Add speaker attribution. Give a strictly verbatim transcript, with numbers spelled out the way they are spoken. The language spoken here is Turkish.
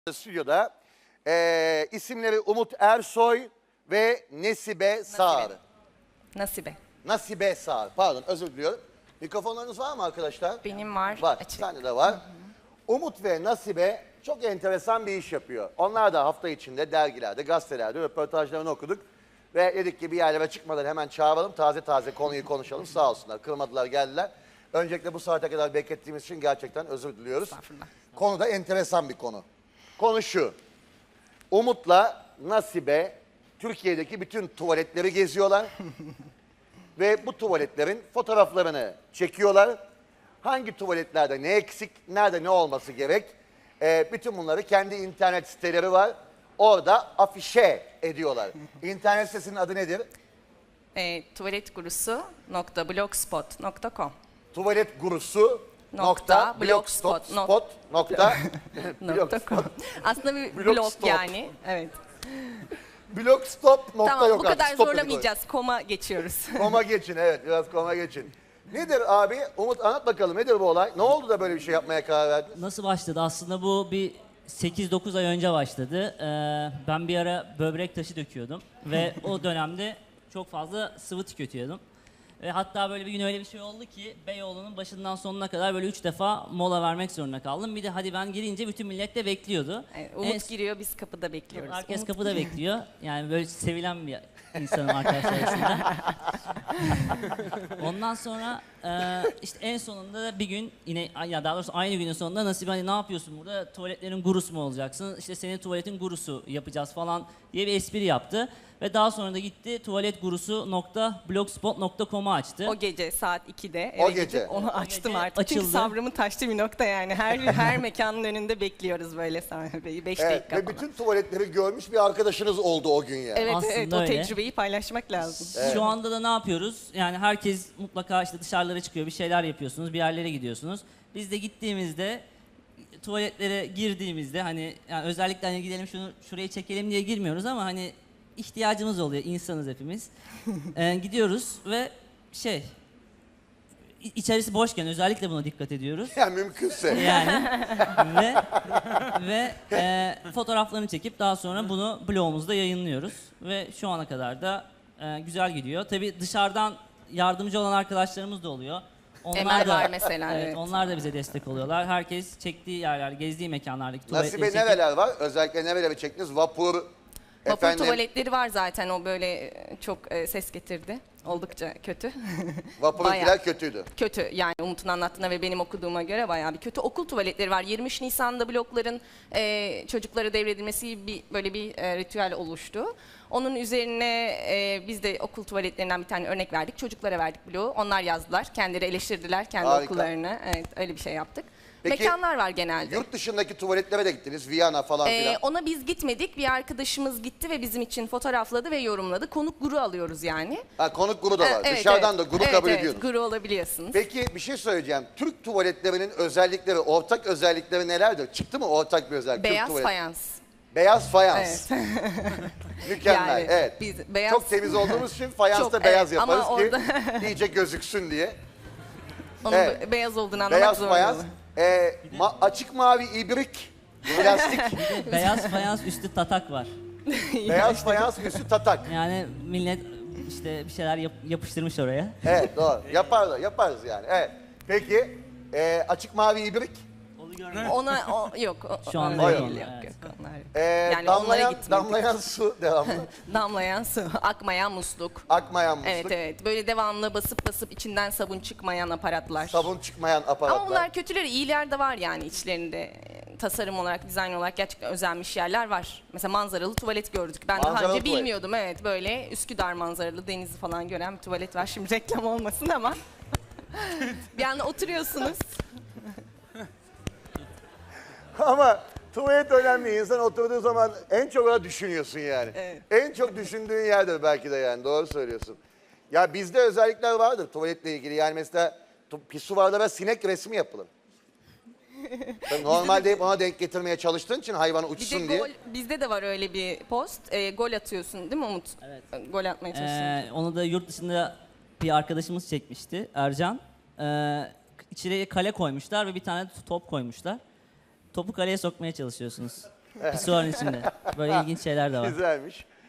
Speaker 1: Stüdyoda e, isimleri Umut Ersoy ve Nesibe Sağır.
Speaker 2: Nasibe.
Speaker 1: Nasibe Sağır. Pardon, özür diliyorum. Mikrofonlarınız var mı arkadaşlar?
Speaker 2: Benim var.
Speaker 1: Var.
Speaker 2: Açık.
Speaker 1: Sende de var. Hı hı. Umut ve Nasibe çok enteresan bir iş yapıyor. Onlar da hafta içinde dergilerde, gazetelerde röportajlarını okuduk. Ve dedik ki bir yerlere çıkmadan hemen çağıralım, taze taze konuyu konuşalım. Sağ olsunlar, kırmadılar, geldiler. Öncelikle bu saate kadar beklettiğimiz için gerçekten özür diliyoruz. Konu da enteresan bir konu. Konu şu. Umut'la Nasibe Türkiye'deki bütün tuvaletleri geziyorlar. Ve bu tuvaletlerin fotoğraflarını çekiyorlar. Hangi tuvaletlerde ne eksik, nerede ne olması gerek. Ee, bütün bunları kendi internet siteleri var. Orada afişe ediyorlar. İnternet sitesinin adı nedir?
Speaker 2: E, tuvaletgurusu nokta blogspot nokta com
Speaker 1: Tuvalet gurusu nokta blogspot nokta
Speaker 2: com. Aslında bir blog
Speaker 1: Blogstop.
Speaker 2: yani. Evet.
Speaker 1: Blogstop nokta
Speaker 2: Tamam,
Speaker 1: yok
Speaker 2: bu kadar
Speaker 1: artık. Stop
Speaker 2: zorlamayacağız. Koma geçiyoruz.
Speaker 1: Koma geçin, evet, biraz koma geçin. Nedir abi? Umut anlat bakalım, nedir bu olay? Ne oldu da böyle bir şey yapmaya karar verdin?
Speaker 3: Nasıl başladı? Aslında bu bir sekiz dokuz ay önce başladı. Ee, ben bir ara böbrek taşı döküyordum ve o dönemde çok fazla sıvı tüketiyordum. Ve hatta böyle bir gün öyle bir şey oldu ki Beyoğlu'nun başından sonuna kadar böyle üç defa mola vermek zorunda kaldım. Bir de hadi ben girince bütün millet de bekliyordu.
Speaker 2: Evet, Umut
Speaker 3: En-
Speaker 2: giriyor, biz kapıda bekliyoruz.
Speaker 3: Herkes
Speaker 2: Umut
Speaker 3: kapıda bekliyor. Yani böyle sevilen bir insanım arkadaşlar arasında. Ondan sonra e, işte en sonunda da bir gün yine ya daha doğrusu aynı günün sonunda Nasibe hani ne yapıyorsun burada? Tuvaletlerin gurusu mu olacaksın? İşte senin tuvaletin gurusu yapacağız falan diye bir espri yaptı. Ve daha sonra da gitti tuvaletgurusu nokta blogspot nokta com'u açtı.
Speaker 2: O gece saat ikide eve
Speaker 1: O
Speaker 2: gidip
Speaker 1: gece.
Speaker 2: onu
Speaker 3: O
Speaker 2: açtım
Speaker 3: gece
Speaker 2: artık. Çünkü
Speaker 3: açıldı.
Speaker 2: sabrımı taştı bir nokta yani. Her her mekanın önünde bekliyoruz böyle sahibi. Beş
Speaker 1: Evet,
Speaker 2: dakika
Speaker 1: ve
Speaker 2: falan.
Speaker 1: bütün tuvaletleri görmüş bir arkadaşınız oldu o gün yani.
Speaker 2: Evet
Speaker 3: Aslında
Speaker 2: evet o
Speaker 3: öyle.
Speaker 2: tecrübeyi paylaşmak lazım.
Speaker 3: Şu anda da ne yapıyoruz? Yani herkes mutlaka işte dışarılara çıkıyor, bir şeyler yapıyorsunuz, bir yerlere gidiyorsunuz. Biz de gittiğimizde, tuvaletlere girdiğimizde hani yani özellikle hani gidelim şunu şuraya çekelim diye girmiyoruz ama hani ihtiyacımız oluyor, insanız hepimiz. Ee, gidiyoruz ve şey, i- içerisi boşken özellikle buna dikkat ediyoruz.
Speaker 1: Yani mümkünse.
Speaker 3: Yani ve ve e, fotoğraflarını çekip daha sonra bunu blogumuzda yayınlıyoruz ve şu ana kadar da e, güzel gidiyor. Tabii dışarıdan yardımcı olan arkadaşlarımız da oluyor. Onlar
Speaker 2: Emel
Speaker 3: da,
Speaker 2: var mesela,
Speaker 3: Evet,
Speaker 2: evet.
Speaker 3: onlar da bize destek oluyorlar. Herkes çektiği yerler, gezdiği mekanlardaki tuvaletleri
Speaker 1: Nasibe
Speaker 3: çekip-
Speaker 1: nereler var? Özellikle nereleri çektiniz? Vapur,
Speaker 2: Vapur
Speaker 1: efendim,
Speaker 2: tuvaletleri var zaten, o böyle e, çok e, ses getirdi. Oldukça kötü.
Speaker 1: vapurunkiler
Speaker 2: Bayağı.
Speaker 1: kötüydü.
Speaker 2: Kötü yani, Umut'un anlattığına ve benim okuduğuma göre bayağı bir kötü. Okul tuvaletleri var. yirmi üç Nisan'da blokların e, çocuklara devredilmesi bir böyle bir e, ritüel oluştu. Onun üzerine e, biz de okul tuvaletlerinden bir tane örnek verdik. Çocuklara verdik bloğu. Onlar yazdılar. Kendileri eleştirdiler kendi
Speaker 1: Harika.
Speaker 2: okullarını. Evet, öyle bir şey yaptık.
Speaker 1: Peki,
Speaker 2: Mekanlar var genelde.
Speaker 1: Yurt dışındaki tuvaletlere de gittiniz. Viyana falan
Speaker 2: Ee,
Speaker 1: filan.
Speaker 2: ona biz gitmedik. Bir arkadaşımız gitti ve bizim için fotoğrafladı ve yorumladı. Konuk guru alıyoruz yani.
Speaker 1: Ha, konuk guru da var.
Speaker 2: Ee, evet,
Speaker 1: Dışarıdan
Speaker 2: evet.
Speaker 1: da guru
Speaker 2: Evet,
Speaker 1: kabul
Speaker 2: evet,
Speaker 1: ediyorsunuz.
Speaker 2: guru olabiliyorsunuz.
Speaker 1: Peki bir şey söyleyeceğim. Türk tuvaletlerinin özellikleri, ortak özellikleri nelerdir? Çıktı mı ortak bir özellik? Türk
Speaker 2: Beyaz
Speaker 1: tuvalet-
Speaker 2: fayans.
Speaker 1: Beyaz fayans.
Speaker 2: Evet.
Speaker 1: Mükemmel.
Speaker 2: Yani
Speaker 1: evet.
Speaker 2: biz beyaz-
Speaker 1: Çok temiz olduğumuz için fayansta
Speaker 2: Çok,
Speaker 1: beyaz
Speaker 2: evet, ama
Speaker 1: yaparız ki
Speaker 2: orada-
Speaker 1: iyice gözüksün diye.
Speaker 2: Onun
Speaker 1: Evet.
Speaker 2: be- beyaz olduğunu anlamak
Speaker 1: Beyaz
Speaker 2: zorunda.
Speaker 1: fayans. Ee, ma- açık mavi ibrik. Plastik.
Speaker 3: Beyaz fayans üstü tatak var.
Speaker 1: Beyaz fayans üstü tatak.
Speaker 3: Yani millet işte bir şeyler yap- yapıştırmış oraya.
Speaker 1: Evet, doğru. Yaparlar, yaparız yani. Evet. Peki e, açık mavi ibrik.
Speaker 2: Ona o, yok. O,
Speaker 3: Şu anda
Speaker 2: onlar
Speaker 1: yok.
Speaker 2: değil, yok,
Speaker 3: Evet.
Speaker 2: yok, onlar yok.
Speaker 1: E,
Speaker 2: Yani onlara
Speaker 1: damlayan,
Speaker 2: gitmedik.
Speaker 1: damlayan su devamlı.
Speaker 2: Damlayan su, akmayan musluk.
Speaker 1: Akmayan musluk.
Speaker 2: Evet evet, böyle devamlı basıp basıp içinden sabun çıkmayan aparatlar.
Speaker 1: Sabun çıkmayan aparatlar.
Speaker 2: Ama bunlar kötüleri, iyiler de var yani içlerinde. E, Tasarım olarak, dizayn olarak gerçekten özenmiş yerler var. Mesela manzaralı tuvalet gördük. Ben daha
Speaker 1: Manzaralı
Speaker 2: önce
Speaker 1: tuvalet.
Speaker 2: bilmiyordum. Evet, böyle Üsküdar manzaralı, denizi falan gören bir tuvalet var. Şimdi reklam olmasın ama. Bir anda oturuyorsunuz.
Speaker 1: Ama tuvalet önemli. İnsan oturduğu zaman en çok ona düşünüyorsun yani.
Speaker 2: Evet.
Speaker 1: En çok düşündüğün yerdir belki de yani. Doğru söylüyorsun. Ya bizde özellikler vardır tuvaletle ilgili. Yani mesela tu- pisuvarlara sinek resmi yapılır. Tabii normalde hep ona denk getirmeye çalıştığın için hayvan
Speaker 2: Bir de
Speaker 1: uçsun diye.
Speaker 2: gol, bizde de var öyle bir post. E, gol atıyorsun değil mi Umut?
Speaker 3: Evet.
Speaker 2: E, Gol atmaya çalışıyorsun.
Speaker 3: Ee, onu da yurt dışında bir arkadaşımız çekmişti, Ercan. Ee, içeriye kale koymuşlar ve bir tane top koymuşlar. Topu kaleye sokmaya çalışıyorsunuz. Pisuarın içinde. Böyle ilginç şeyler de var.
Speaker 1: Güzelmiş.